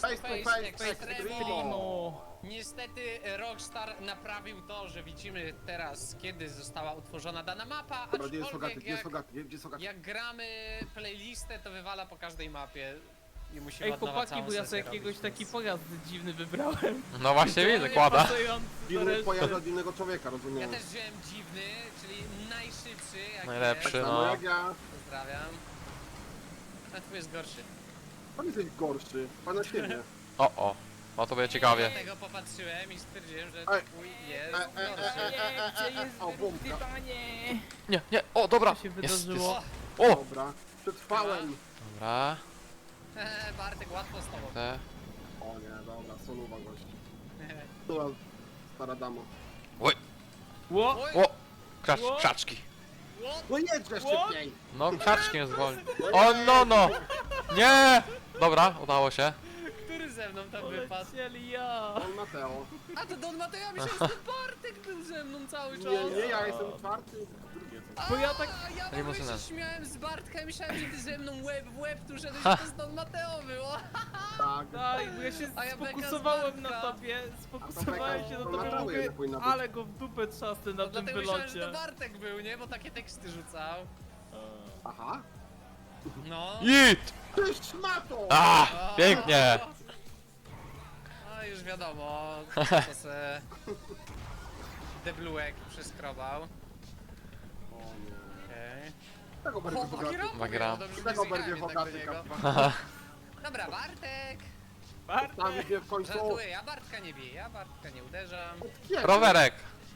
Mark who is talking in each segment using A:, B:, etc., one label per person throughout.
A: Extremo.
B: Niestety Rockstar naprawił to, że widzimy teraz, kiedy została utworzona dana mapa,
C: Dobra, gdzie jest Hogaty,
B: aczkolwiek
C: gdzie jest Hogaty, gdzie jest Hogaty?
B: jak gramy playlistę, to wywala po każdej mapie i musimy
A: Ej,
B: od nowa
A: chłopaki,
B: całą
A: bo ja
B: sesję
A: sobie jakiegoś
B: robić,
A: taki
B: więc-
A: pojazd dziwny wybrałem.
D: No właśnie widzę,
A: Nie
D: kłada.
A: pasujący do
C: Dziwny
A: reszty.
C: pojazd od innego człowieka,
B: Ja
C: rozumiem.
B: też wziąłem dziwny, czyli najszybszy, jaki
D: Najlepszy.
B: jest.
C: Samo
D: no.
C: jak ja.
B: Pozdrawiam. A twój jest gorszy.
C: Pan jesteś gorszy, pan na siebie.
D: O, no to będzie ciekawie.
B: Dlatego popatrzyłem i stwierdziłem, że
C: Ej.
B: twój jest
C: Ej,
B: gorszy.
A: Gdzie jest
C: O, bombka.
A: wyrównanie?
D: Nie, o dobra.
A: Co się
D: Jest, jest.
A: wydarzyło?
D: O,
C: Dobra, przetrwałem.
D: dobra.
B: Bartek, łatwo z tobą.
D: Te.
C: O nie, dobra, soluwa gość. Była stara dama.
D: Oj,
A: Ło!
B: Oj,
D: o,
A: Ło.
D: krzaczki.
B: what?
C: No jedźże szybciej!
D: No, krzaczki mnie zwolni. O, no. Nie! Dobra, udało się.
B: Który ze mną tam wypadł?
A: Polecieli ja!
C: Don Mateo.
B: A to Don Mateo, myślałem, że to Bartek był ze mną cały czas.
C: Nie, ja jestem czwarty. Drugie co?
B: A,
A: Bo ja tak-
B: ja w ogóle
D: Limuzynem.
B: się śmiałem z Bartka i myślałem, że ty ze mną łeb w łeb tu szedłeś, że to z Don Mateo było.
C: Tak.
A: Tak, bo ja się
B: A ja beka
A: sfokusowałem
B: z
A: na
B: Bartka.
A: tobie,
C: A
A: sfokusowałem
C: to
A: się na
C: beka
A: tobie,
C: to
A: mówię,
C: jednak powinna być.
A: ale go w dupę trzasnę na tym
B: Dlatego myślałem, że to
A: wylocie.
B: Bartek był, nie? Bo takie teksty rzucał.
C: Aha.
B: No.
D: Jit!
C: Ty szmato!
D: A, pięknie.
B: No już wiadomo, co se deblułek przeskrobał.
C: O nie.
B: Okej.
C: Tego bardziej
B: O,
C: Hogaty.
D: Bagram.
C: Tego bardziej Hogaty,
B: niego.
C: kapwa.
B: Dobra, Bartek!
C: Tam mnie w końcu...
B: Żartuję, ja Bartka nie biję, ja Bartka nie uderzam.
C: Kiedy?
D: Rowerek.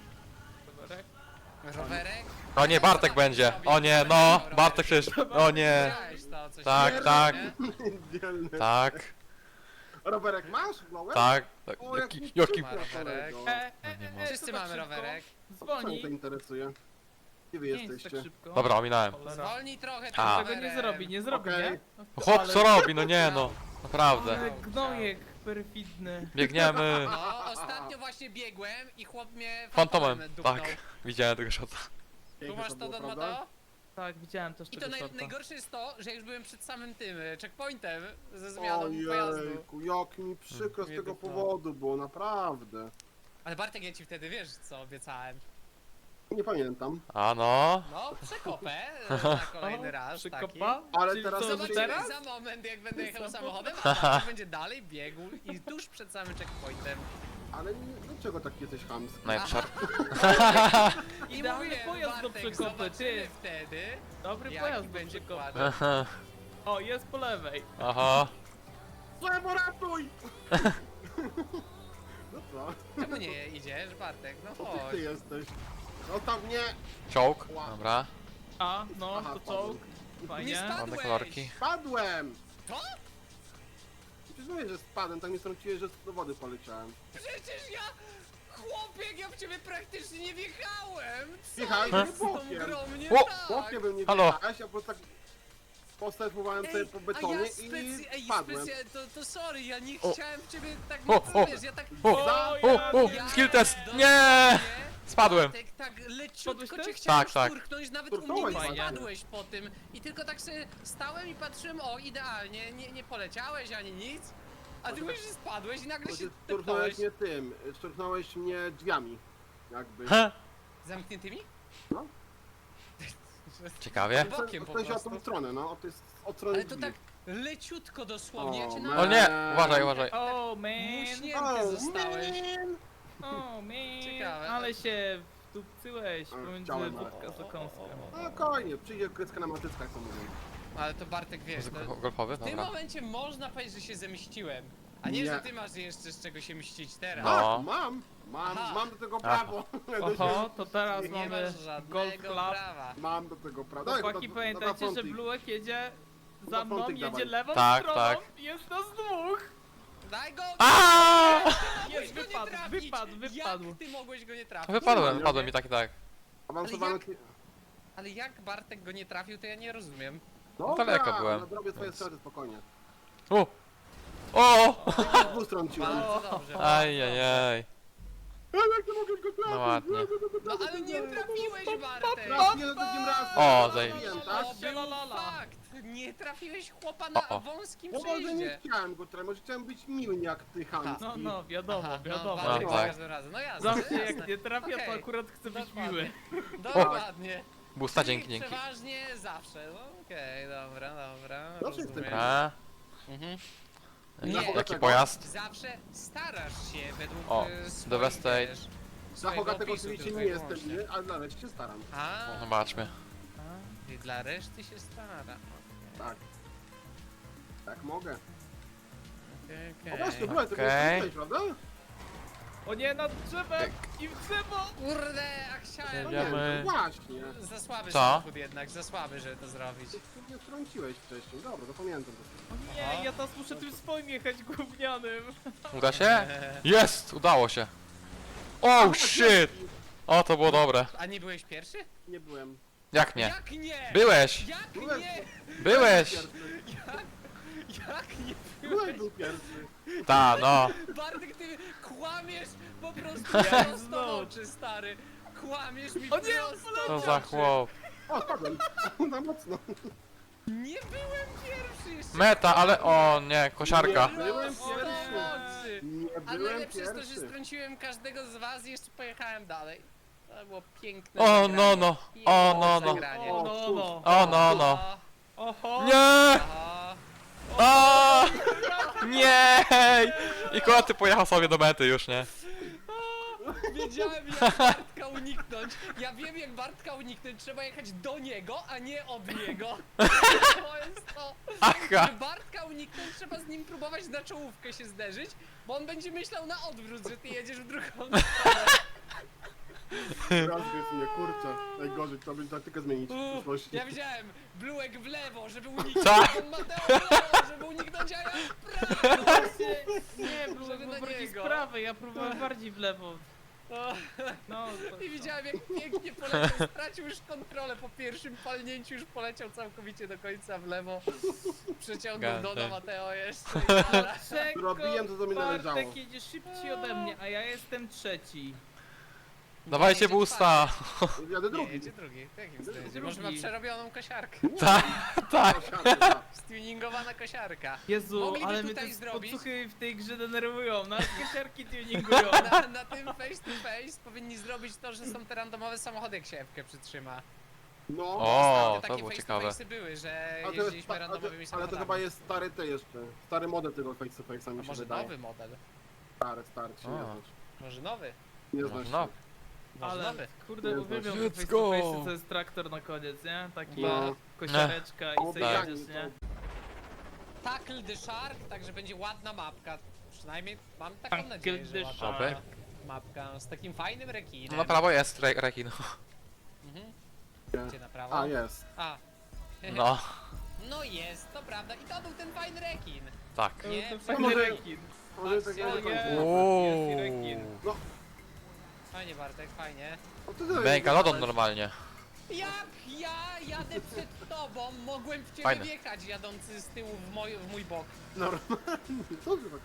B: Rowerek?
D: O nie, Bartek będzie. O nie, no. Bartek przecież. O nie.
B: Widziałeś to, co się
D: Tak,
B: dzieje,
D: tak.
B: nie?
C: Dzielny.
D: Tak,
C: Rowerek masz? Blowem?
D: tak.
C: O,
D: Jaki...
B: Ma rowerek. Wszyscy mamy rowerek.
C: Co mnie to
A: Zwolnij.
C: interesuje? Gdzie wy
A: Nie jest tak
C: jesteście?
A: szybko.
D: Dobra, ominąłem.
A: Cholera.
B: Zwolnij trochę tym
D: A.
A: Tego nie zrobi, nie zrobi,
C: Okej.
A: nie?
D: Chłop co robi, no nie no. Naprawdę.
A: Ale gnojek perfidny.
D: Biegniemy.
B: No, ostatnio właśnie biegłem i chłop mnie
D: Fantomem.
B: dupnął.
D: Tak. Widziałem tego shota.
B: Tu
C: Piękne
B: masz to,
C: było,
B: Don
C: prawda?
B: Mateo?
A: Tak, widziałem też
B: I to
A: tego shorta.
B: najgorsze jest to, że już byłem przed samym tym checkpointem ze zmianą pojazdu.
C: Ojejku, jak mi przykro z
B: Mnie
C: tego
B: dupnął.
C: powodu było, naprawdę.
B: Ale Bartek, ja ci wtedy wiesz co obiecałem.
C: Nie pamiętam.
D: A no.
B: No, przekopę na kolejny raz taki.
A: Przykopa?
C: Ale
A: Czyli
C: teraz
A: co, że
B: Zobaczymy
A: teraz?
B: za moment, jak będę jechał
A: Samochód?
B: samochodem, a Bartek będzie dalej biegł i tuż przed samym checkpointem.
C: Ale dlaczego tak jesteś chamski?
D: Najprzód.
B: I
A: Idealny
B: mówię,
A: pojazd do
B: Bartek,
A: przekopy,
B: zobaczymy
A: ty.
B: wtedy,
A: Dobry
B: jaki
A: pojazd do
B: będzie
A: przekopy.
B: kładł.
A: O, jest po lewej.
D: Aha.
C: Lewo ratuj! No co?
B: Czemu nie idziesz, Bartek? No
C: Co
B: chodź.
C: ty jesteś? No tam nie!
D: Czołg. Dobra.
A: A, no,
C: Aha,
A: to czołg.
B: Nie
A: Fajnie.
B: spadł.
D: Ładne kolorki.
C: Spadłem!
B: To?
C: Przecież mówię, że spadłem, tak mnie strąciłeś, że do wody poleciałem.
B: Przecież ja... Chłopie, ja w ciebie praktycznie nie wjechałem! Co
C: Wjechałeś
B: jest z tą
C: bokiem.
B: grą nie
D: O!
B: tak?
C: Chłopie bym nie
D: Halo.
C: wjechałeś, a po prostu tak postępowałem sobie po betonie i spadłem.
B: To sorry, ja nie
D: O.
B: chciałem w ciebie tak
D: O,
B: mocno,
D: o.
B: wiesz, ja tak...
D: O,
A: O,
D: o, skill test. Nie! Spadłem.
B: Bartek, tak
A: Spadłeś
B: leciutko
A: też?
B: cię chciałem
D: Tak, tak.
B: szturchnąć, nawet u mnie
C: Szturchnąłeś,
B: nie
A: fajnie.
B: spadłeś po tym. I tylko tak sobie stałem i patrzyłem, o idealnie, nie poleciałeś ani nic. A ty mówisz, że spadłeś i nagle się
C: Szturchnąłeś
B: tepnąłeś.
C: mnie tym, szturchnąłeś mnie drzwiami. Jakby.
D: Ha.
B: Zamkniętymi?
C: No.
D: Ciekawie.
B: Bokiem po
C: W sensie o tą
B: prostu.
C: stronę, no, to jest od strony
B: Ale to
C: drzwi.
B: tak leciutko dosłownie, ja cię
C: O,
B: na...
D: O nie, uważaj, uważaj.
A: O, man.
B: Muśnięty zostałeś.
A: O, man.
B: Ciekawe.
A: Ale się wdupcyłeś pomiędzy
C: chciałem, ale-
A: wódka z okąskiem.
C: No spokojnie, przyjdzie kryska na matyckach, to mówię.
B: Ale to Bartek, wiesz, to...
D: Golfowy?
B: w tym
D: Dobra.
B: momencie można powiedzieć, że się zemściłem. A nie,
C: Nie.
B: że ty masz jeszcze z czego się mścić teraz.
D: No.
C: Tak,
B: Aha.
C: mam do tego prawo.
A: Oho, to teraz
B: Nie
A: mamy
B: masz
A: Golf
B: żadnego
A: Club.
B: prawa.
C: Mam do tego prawo. Dawaj,
A: Chłopaki,
C: to-
A: pamiętajcie,
C: na
A: że
C: frontik.
A: Bluek jedzie
C: Na
A: za mną,
C: frontik
A: jedzie
C: dawaj.
A: lewą
D: Tak,
A: stroną,
D: tak.
A: jest nas dwóch.
B: Daj go!
D: Aaaa!
A: Jest,
B: Mogłeś go nie
A: wypadł,
B: trafić!
A: wypadł.
B: Jak ty mogłeś go nie trafić?
D: Wypadłem i tak i tak.
C: Awansowany...
B: Ale jak Bartek go nie trafił, to ja nie rozumiem.
C: Dobra,
D: daleko byłem.
C: no, Zrobię twoje straty spokojnie.
D: O! O!
C: Z dwóch stron ci ładnie.
B: Bardzo dobrze.
D: Ajajaj.
C: Ale jak ty mogłeś go trafić?
D: No ładnie.
B: No ale nie trafiłeś, Bartek!
C: Trafię za drugim razem.
D: O,
C: Trafiłem,
D: zajebiście.
C: tak?
B: To był fakt! Nie trafiłeś chłopa na
D: O.
B: wąskim
C: No może nie
B: przejeździe.
C: chciałem go trafić, może chciałem być miły jak ty, Hamski.
A: No, wiadomo,
B: Aha,
A: wiadomo.
B: No, Bartek
D: No,
B: za
D: tak.
B: każdym razem. No jasne,
A: Zawsze
B: jasne.
A: jak nie trafia, to
B: Okej.
A: akurat chcę być
B: Dokładnie.
A: miły.
B: Dokładnie.
D: Busta,
B: Czyli
D: dzięki, dzięki.
B: Przeważnie zawsze. No, okej, dobra.
C: Zawsze
B: rozumiem.
D: A,
B: Mhm.
C: Nie.
B: Nie,
D: jaki pojazd?
B: zawsze starasz się według
D: O,
B: swoich,
D: Devastate.
B: wiesz,
C: Za
B: swojego
C: Hogatego
B: opisu
C: oczywiście
B: tylko
C: nie
B: i
C: jestem
B: wyłącznie.
C: miły, ale dla reszty się staram.
B: A,
D: Zobaczmy.
B: i dla reszty się stara.
C: Tak. Tak mogę.
B: Okej,
C: O właśnie,
B: okej.
C: dobra, to
D: Okej.
C: jesteś, prawda?
A: O nie, nad drzewem! I w drzewo!
B: Kurde, a chciałem.
C: No
D: Jedziemy.
C: nie, no właśnie.
B: Za słaby
D: Co?
B: samochód jednak, za słaby, żeby to zrobić.
C: Ty mnie wtrąciłeś wcześniej, dobra, to pamiętam to.
A: O nie, ja teraz muszę tym swoim jechać gównianym.
D: Uda się? Jest! Udało się. Oh shit! O, to było dobre.
B: A nie byłeś pierwszy?
C: Nie byłem.
D: Jak nie?
B: Jak nie?
D: Byłeś!
B: Jak
C: Byłem.
B: nie?
D: Byłeś!
C: Pierwszy.
B: Jak nie
C: Byłem
B: byłeś?
C: był pierwszy.
D: Ta, no.
B: Bartek, ty kłamiesz po prostu
A: Ja
B: prosto w
A: znowu.
B: oczy, stary. Kłamiesz mi
A: O nie,
B: prosto
D: To
B: w
D: za
B: oczy.
D: chłop.
C: O, spadłem. Na mocno.
B: Nie byłem pierwszy jeszcze.
D: Meta, ale o nie, kosiarka.
C: Nie byłem
B: Prosto w
C: pierwszy.
B: oczy.
C: Nie
B: A
C: byłem
B: najlepsze jest to, że
C: pierwszy.
B: strąciłem każdego z was i jeszcze pojechałem dalej. To było piękne
D: O
B: zagranie.
D: no no. O no no.
B: Zagranie.
A: O no, no.
D: O no no.
A: Oho!
D: Nie!
B: Aha.
D: O! Nie! I koty pojechał sobie do mety już, nie?
B: Wiedziałem jak Bartka uniknąć. Ja wiem jak Bartka uniknąć. Trzeba jechać do niego, a nie od niego. To jest to.
D: Aha!
B: Żeby Bartka uniknąć, trzeba z nim próbować na czołówkę się zderzyć, bo on będzie myślał na odwrót, że ty jedziesz w drugą stronę.
C: Rozgryz mnie, kurczę. Najgorzej, to będzie taktykę zmienić w przyszłości.
B: Ja widziałem Bluek w lewo, żeby uniknąć.
D: Tak.
B: On Mateo w lewo, żeby uniknąć, a ja w prawo.
A: Nie, było
B: Żeby na
A: bardziej z
B: niego.
A: prawej, ja próbowałem bardziej w lewo.
B: O,
A: No, to,
B: I widziałem jak pięknie poleciał, stracił już kontrolę po pierwszym palnięciu, już poleciał całkowicie do końca w lewo. Przeciągnął
D: Gadaj.
B: do Mateo jeszcze i dobra.
A: Czego?
C: Robiłem to, co mi należało.
A: Bartek jedzie szybciej ode mnie, a ja jestem trzeci.
D: Dawajcie
B: Jedzie
D: busta!
C: Jadę
B: Nie,
C: drugi.
B: jedzie drugi. W jakim sensie?
A: Drugi.
B: Może ma przerobioną kosiarkę.
D: Tak, tak.
B: Stuningowana kosiarka.
A: Jezu,
B: Mogliby
A: ale mnie
B: tutaj
A: te
B: zrobić-
A: podsłuchy w tej grze denerwują, nas kosiarki tuningują.
B: Na tym face to face powinni zrobić to, że są te randomowe samochody, jak się Ewkę przytrzyma.
C: No.
D: O,
B: Ostatnio
D: to
B: takie
D: było
B: face
D: ciekawe.
B: to face'y były, że
C: Ale to jest,
B: jeździliśmy randomowymi
C: ale to
B: samochodami.
C: chyba jest stary te jeszcze. Stary model tego face to face'a
B: A
C: mi się
B: może
C: wydaje.
B: nowy model?
C: Stary, ci nie
D: A.
C: znasz.
B: Może nowy?
C: Nie znasz
D: No.
C: się.
B: Może
A: Ale
B: nowy?
A: kurde,
C: Nie
A: uwielbiam
C: znasz.
A: te
D: Let's
A: face
D: go.
A: to face, to jest traktor na koniec, nie? Taki
C: No.
A: kosiareczka i
C: O,
A: se
C: tak.
A: jedziesz, nie?
B: Tackle the Shark, także będzie ładna mapka. Przynajmniej mam taką
A: Tackle
B: nadzieję, że
A: the
B: ładna
D: Shark.
B: mapka z takim fajnym rekinem.
D: Na prawo jest rekin.
B: Mhm.
C: Nie.
B: Gdzie na prawo?
C: A, jest.
B: A.
D: No,
B: No jest, to prawda. I to był ten fajny rekin.
D: tak.
A: To
B: Nie,
A: ten
B: to
A: fajny
C: może-
A: rekin.
C: Może tak
B: Patrzcie,
C: nie
A: o
C: do końca.
A: nie.
D: Uuu.
A: Jest i rekin.
B: Fajnie Bartek, fajnie.
C: O, ty tyle
D: Megalodon
C: jechałeś.
D: normalnie.
B: Jak ja jadę przed tobą, mogłem w ciebie
D: Fajne.
B: wjechać jadący z tyłu w mój bok.
C: Normalnie. Dobrze tak.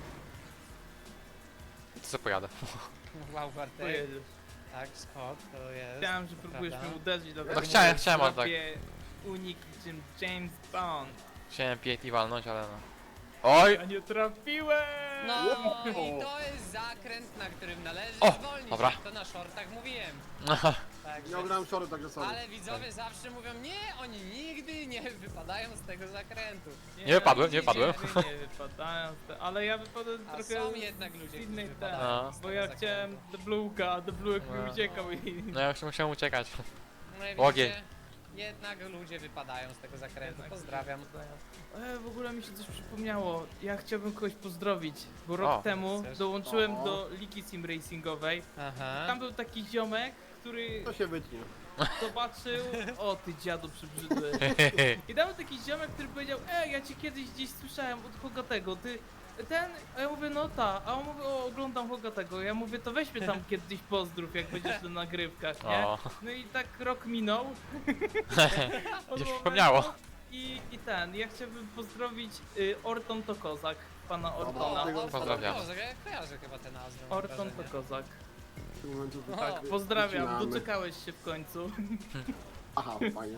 D: To co pojadę.
B: Wow, Bartek.
A: Pojedziesz.
B: Tak, skok, to jest.
A: Chciałem, że próbujesz
B: Prawda?
A: mnie uderzyć, dlatego
D: No chciałem,
A: mówię,
D: chciałem, ale tak.
A: zrobię unik czym James Bond.
D: Chciałem PAT walnąć, ale no. Oj!
A: Ja nie trafiłem!
B: No
C: O!
B: i to jest zakręt, na którym należy
D: O,
B: zwolnić.
D: dobra.
B: Jak to na shortach mówiłem. Także...
C: Ja ograłem shorty, także sorry.
B: Ale widzowie zawsze mówią, nie, oni nigdy nie wypadają z tego zakrętu.
D: Nie wypadłem, nie wypadłem.
A: Nie wypadają, ale ja wypadłem
B: A
A: trochę
B: są jednak ludzie,
A: z
B: którzy
A: innych
B: wypadają
D: No.
B: z
A: bo
B: tego
A: ja
B: zakrętu.
A: chciałem The Blue'ka, a The Blue'ek
D: No.
A: mi uciekał i...
D: No ja już musiałem uciekać.
B: No i
D: Ogień.
B: widzicie, jednak ludzie wypadają z tego zakrętu.
A: Jednak
B: Pozdrawiam.
A: W ogóle mi się coś przypomniało. Ja chciałbym kogoś pozdrowić, bo
D: O.
A: rok temu
B: Chcesz?
A: dołączyłem
C: O.
A: do Ligi Sim Racingowej.
B: Aha.
A: Tam był taki ziomek, który
C: To się wytnie.
A: zobaczył... O ty dziadu przybrzydły. I tam był taki ziomek, który powiedział: ja cię kiedyś gdzieś słyszałem od Hogatego, ty... Ten, a ja mówię, no ta, a on mówi, oglądam Hogatego. Ja mówię, to weź mnie tam kiedyś pozdrów, jak będziesz na nagrywkach, nie?
D: O.
A: No i tak rok minął. Od
D: Się
A: momentu.
D: przypomniało.
A: I ten, ja chciałbym pozdrowić Orton to kozak, pana
B: O,
A: Ortona.
C: Tego
D: pozdrawiam.
B: Ja kojarzę chyba tę nazwę. mam
A: Orton to
B: wrażenie.
A: kozak.
C: W tym momencie
B: O,
C: tak
A: Pozdrawiam,
C: wycinamy.
A: doczekałeś się w końcu.
C: Aha, fajnie.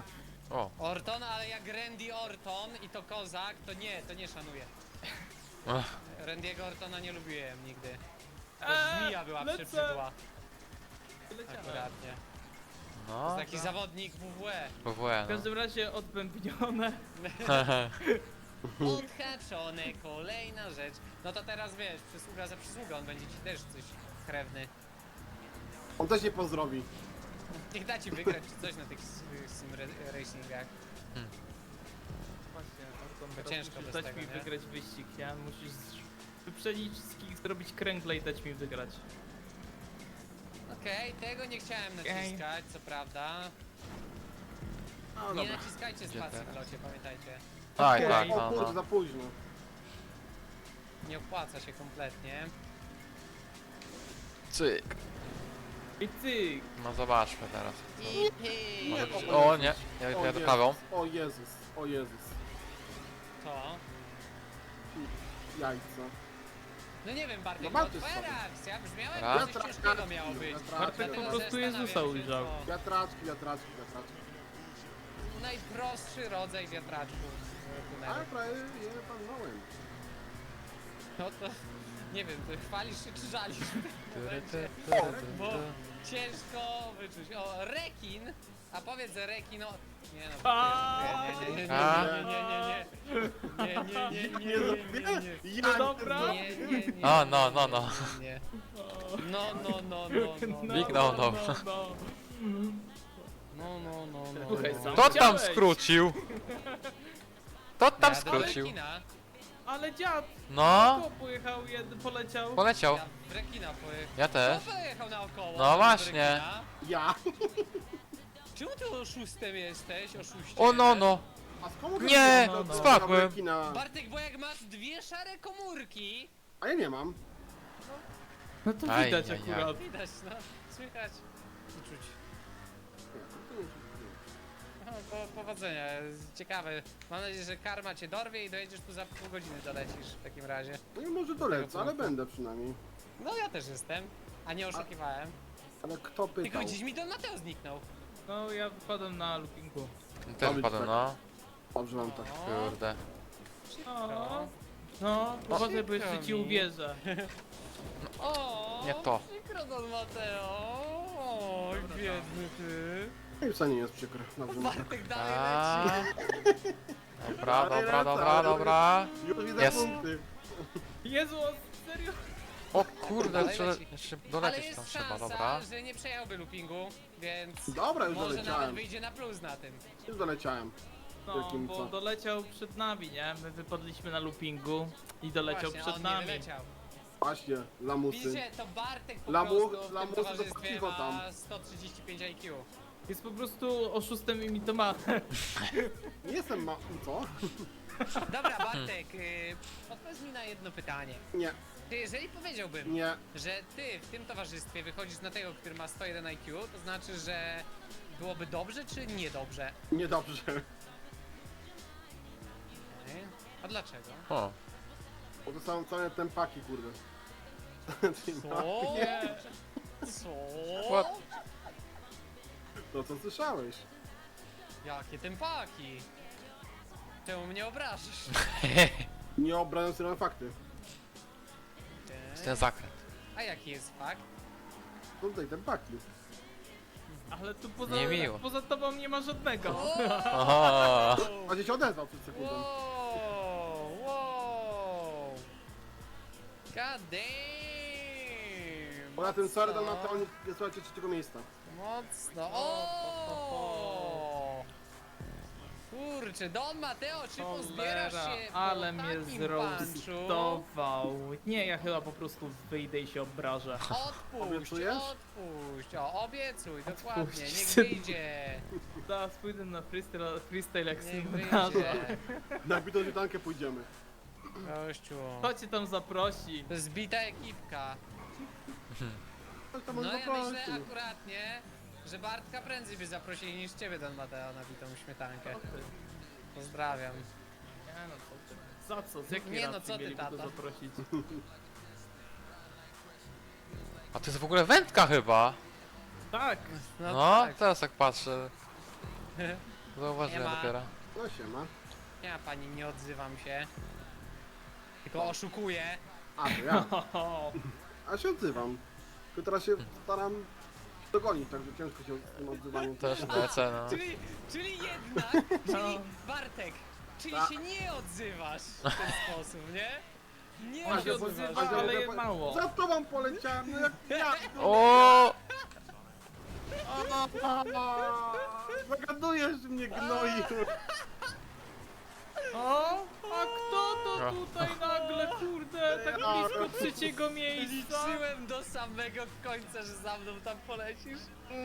D: O.
B: Orton, ale jak Randy Orton i to kozak, to nie szanuję.
D: Ech.
B: Randy'ego Ortona nie lubiłem nigdy. To
A: Eee,
B: żmija była
A: lecę.
B: przebrzydła.
A: Leciałem.
B: Akuratnie. To
D: No.
B: jest taki zawodnik WWE.
D: WWE,
A: W każdym razie odbębnione.
D: no.
B: Odhaczone, kolejna rzecz. No to teraz wiesz, przysługa za przysługę, on będzie ci też coś krewny.
C: On też nie pozdrowi.
B: Niech da ci wygrać czy coś na tych sim racingach.
A: Właśnie, Orton,
B: To
A: teraz
B: ciężko
A: musisz
B: bez
A: dać
B: tego,
A: mi
B: nie?
A: wygrać wyścig, ja? Musisz wyprzedzić wszystkich, zrobić kręgle i dać mi wygrać.
B: Okej, tego nie chciałem naciskać, co prawda.
C: No
B: Nie
C: dobra.
B: naciskajcie
D: Gdzie
B: spacji w
D: teraz?
B: locie, pamiętajcie.
D: Tak,
A: Okej.
D: tak,
C: O
D: no,
C: kurde,
D: no.
C: za późno.
B: Nie opłaca się kompletnie.
D: Cyk.
A: I cyk!
D: No zobaczmy teraz.
B: I
D: Może
C: Nie,
D: być...
C: o
D: O
C: Jezus.
D: nie, ja
C: O
D: jadę
C: Jezus,
D: prawą.
C: O Jezus, o Jezus.
B: to.
C: Jajca.
B: No nie wiem, Bartek,
C: No
B: no
C: Bartek
B: twoja
C: sobie.
B: reakcja brzmiała
D: Raz.
B: jakby coś ciężkiego miało być.
A: Bartek
B: Dlatego
A: po prostu
B: zastanawiam
A: Jezusa
B: się,
A: ujrzał.
B: co-
C: Wiatraczki, wiatraczki, wiatraczki.
B: Najprostszy rodzaj wiatraczków w tunelu.
C: Ale prawie je palnąłem.
B: No to nie wiem, to chwalisz się czy żalisz w tym momencie? Bo ciężko wyczuć. O, rekin! A powiedz rekin, no... Nie no, nie, nie, nie, nie, nie, nie, nie, nie, nie, nie, nie, nie, nie,
A: No dobra.
B: nie, nie, nie,
D: A, no, no, no.
B: nie. No, no, no, no, no.
D: Big no, no.
B: No, no, no, no.
A: Słuchaj,
B: no.
A: sam
D: Kto tam
A: chciałeś.
D: skrócił? Kto tam
B: Ja do
D: skrócił?
B: rekina.
A: Ale dziad!
D: No,
A: Kto pojechał, poleciał?
D: poleciał.
B: Ja w rekina pojechał.
D: Ja też.
B: Kto pojechał naokoło?
D: No
B: do
D: właśnie.
B: rekina?
C: Ja?
B: Czemu ty oszustem jesteś? Oszuście.
D: O no, no.
C: A skąd
D: Nie,
A: no, no.
D: spadłem.
B: Bartek, bo jak masz dwie szare komórki,
C: A ja nie mam.
A: No to
D: Aj,
A: widać
D: aj, aj.
A: akurat.
B: widać, no, słychać i czuć. No, powodzenia, ciekawe. Mam nadzieję, że karma cię dorwie i dojedziesz tu za pół godziny dolecisz w takim razie.
C: No i może dolecę, ale będę przynajmniej.
B: No ja też jestem, a nie oszukiwałem.
C: Ale kto
B: Tylko
C: pytał?
B: gdzieś mi Don Mateo zniknął.
A: No ja wypadłem na loopingu.
D: Też wpadłem, no.
C: Dobrze mam tak.
B: O,
D: Kurde.
A: O, no, uważaj, bo jeszcze ci
B: przykro mi.
A: uwierzę.
B: o,
D: Nie to.
B: Przykro Don Mateo. Oj, biedny ty.
C: I wcale nie jest przykre. Dobrze mam tak.
B: Bartek dalej
D: A.
B: leci.
D: Dobra, dobra, dobra, dobra.
C: Już widzę
D: Jest.
C: punkty.
A: Jezu, serio?
D: O kurde,
B: Dalej
D: trzeba
B: leci.
D: jeszcze
B: Ale
D: dolecieć tam
B: jest
D: trzeba,
B: szansa,
D: dobra.
B: że nie przejęłby loopingu, więc
C: Dobra, już
B: może nawet
C: doleciałem.
B: wyjdzie na plus na tym.
C: Już doleciałem.
A: No,
C: Jakim
A: bo
C: co?
A: doleciał przed nami, nie? My wypadliśmy na loopingu i doleciał
B: Właśnie, a
A: przed
B: on
A: nami.
B: nie wyleciał.
C: Właśnie, lamusy.
B: Widzicie, to Bartek po
C: Lamu-
B: prostu w tym
C: lamusy to
B: towarzystwie
C: pokrywa tam.
B: ma 135 IQ.
A: Jest po prostu oszustem i mitomanem.
C: Nie jestem ma... co?
B: Dobra, Bartek, odpowiedz mi na jedno pytanie.
C: Nie,
B: Czy jeżeli powiedziałbym,
C: nie.
B: że ty w tym towarzystwie wychodzisz na tego, który ma 101 IQ, to znaczy, że byłoby dobrze czy niedobrze?
C: Niedobrze.
B: Okej. A dlaczego?
D: O,
C: Bo to są całe tempaki, kurde.
B: Co?
A: Nie.
B: Co?
D: What?
C: To co słyszałeś?
B: Jakie tempaki? Czemu mnie obrażasz?
C: Nie obrażam się na fakty.
D: ten zakręt.
B: A jaki jest fakt?
C: To tutaj tempaki.
A: Ale tu poza,
D: Niemiło.
A: poza tobą nie ma żadnego.
D: Oho.
C: A gdzieś się odezwał przed sekundą.
B: Wow, wow. God damn.
C: Poza tym sorry,
B: Mocno.
C: na to oni słuchajcie trzeciego miejsca.
B: Mocno. O! Kurczę, Don Mateo, czy pozbierasz
A: Cholera,
B: się
A: ale
B: po
A: mnie
B: takim
A: zroastował. Nie, ja chyba po prostu wyjdę i się obrażę.
B: Odpuść,
C: Obiecujesz?
B: odpuść. O, obiecuj, dokładnie, niech
A: Odpuść.
B: wyjdzie.
A: Zaraz pójdę na freestyle jak
B: Niech
A: symulator.
B: wyjdzie.
C: Na bitą świetankę pójdziemy.
B: Gościu.
A: Kto cię tam zaprosi?
B: Zbita ekipka.
C: Chodź tam
B: No
C: może
B: ja myślę
C: zaprosić.
B: akuratnie, że Bartka prędzej by zaprosili niż ciebie, Don Mateo, na bitą śmietankę. Pozdrawiam.
A: Nie no, co ty? Za co? Z jakiej
B: Nie no,
A: racji
B: co ty,
A: mieliby go
B: tata?
A: zaprosić?
D: A to jest w ogóle wędka chyba.
A: Tak!
D: No,
B: tak.
D: teraz tak patrzę. Zauważyłem
B: Nie ma.
D: dopiero.
C: No siema.
B: Ja pani nie odzywam się. Tylko oszukuję.
C: A, to ja.
A: O,
C: A się odzywam. Tylko teraz się staram dogonić, także ciężko się z tym odzywaniem.
D: Też lecę, no.
B: Czyli jednak, czyli Bartek, czyli
C: A.
B: się nie odzywasz w ten sposób, nie? Nie
A: On się
B: odzywasz.
A: odzywa, ale je mało.
C: Za tobą poleciałem, no jak ja.
D: O!
C: Zagadujesz mnie, gnoi.
A: O, a kto to tutaj nagle, kurde, tak blisko trzeciego miejsca?
B: Liczyłem do samego końca, że za mną tam polecisz.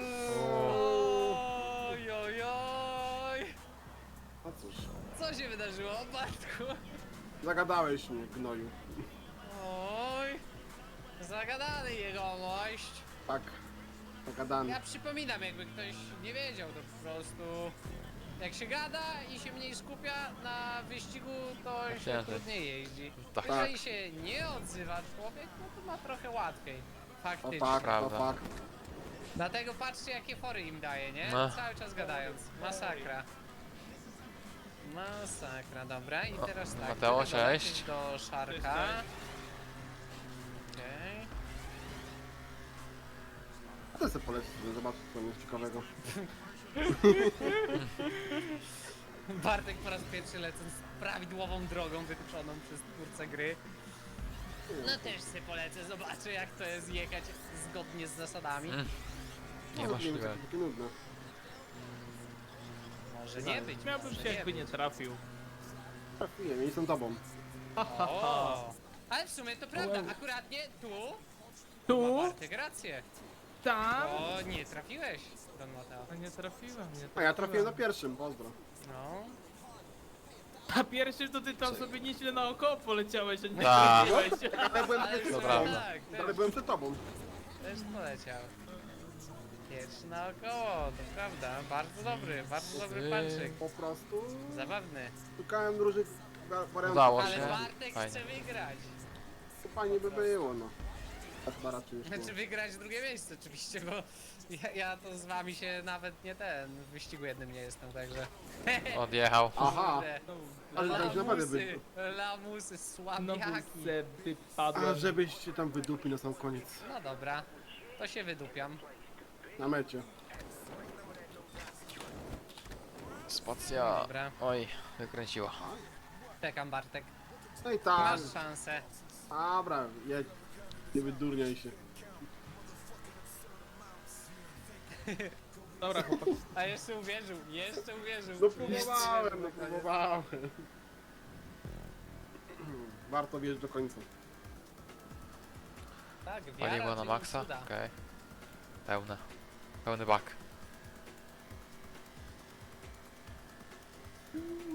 D: O.
B: Oj, oj, oj.
C: No cóż,
B: Co się wydarzyło, Bartku?
C: zagadałeś mnie, gnoju.
B: Oj. Zagadany jegomość.
C: Tak, zagadany.
B: Ja przypominam, jakby ktoś nie wiedział, to po prostu jak się gada i się mniej skupia na wyścigu, to się
D: Ciężej.
B: trudniej jeździ.
D: Tak.
B: Jeżeli się nie odzywa człowiek, no to ma trochę łatwiej.
C: To
B: Faktycznie.
C: fakt, to
D: Prawda.
C: fakt.
B: Dlatego patrzcie, jakie fory im daje, nie?
D: No.
B: Cały czas gadając. Masakra. Masakra, dobra. I teraz tak.
D: Mateo,
B: żeby dolecieć
D: cześć.
B: do Szarka. Okej.
C: Chcę sobie polecić, żeby zobaczyć co jest ciekawego.
B: Bartek po raz pierwszy lecąc prawidłową drogą wytyczoną przez twórcę gry. No też sobie polecę, zobaczę jak to jest jechać zgodnie z zasadami.
D: Mm.
C: No,
D: Niemożliwe.
C: takie nudne.
B: Może nie być.
A: Miałbym
B: może
A: się jakby nie
B: być.
A: trafił.
C: Trafiłem, nie jestem tobą.
B: O! Ale w sumie to prawda, akuratnie tu ma
A: Tu?
B: Bartek rację.
A: Tam?
B: O, nie trafiłeś, Don Mateo.
A: A nie trafiłem, nie trafiłem.
C: A ja trafiłem na pierwszym, pozdro.
B: No.
A: A pierwszy to ty tam sobie nieźle naokoło poleciałeś, a nie
D: Tak.
A: trafiłeś.
C: Ale byłem
B: Ale
C: przed
B: w sumie
C: tobą.
B: tak,
C: Ale byłem przed tobą.
B: też poleciał. Pierwszy naokoło, to prawda. Bardzo dobry panczyk.
C: Po prostu
B: Zabawny.
C: szukałem różnych wariantów.
D: Udało
B: Ale
D: się.
B: Bartek
D: Fajnie.
B: chce wygrać.
C: To fajnie by było, no. Chyba raczej już nie.
B: Znaczy wygrać drugie miejsce oczywiście, bo ja to z wami się nawet nie w wyścigu jednym nie jestem, także...
D: Odjechał.
C: Aha,
B: Kurde.
C: ale to już naprawdę
B: Lamusy,
C: by...
B: lamusy,
A: No
B: słabiaki.
A: se
C: A
A: wypadłem.
C: żebyś się tam wydupił na sam koniec.
B: No dobra, to się wydupiam.
C: Na mecie.
D: Spacja.
B: Dobra.
D: Oj, wykręciła.
B: Czekam Bartek,
C: No i tak.
B: masz szansę.
C: Dobra, jedź. Nie wydurniaj się.
A: Dobra chłopak.
B: A jeszcze uwierzył.
C: No próbowałem, no próbowałem. Warto wjeść do końca.
B: Tak, wiara
D: Paliwo na
B: czyni
D: maksa?
B: cuda.
D: Okej. Pełne. Pełny bak.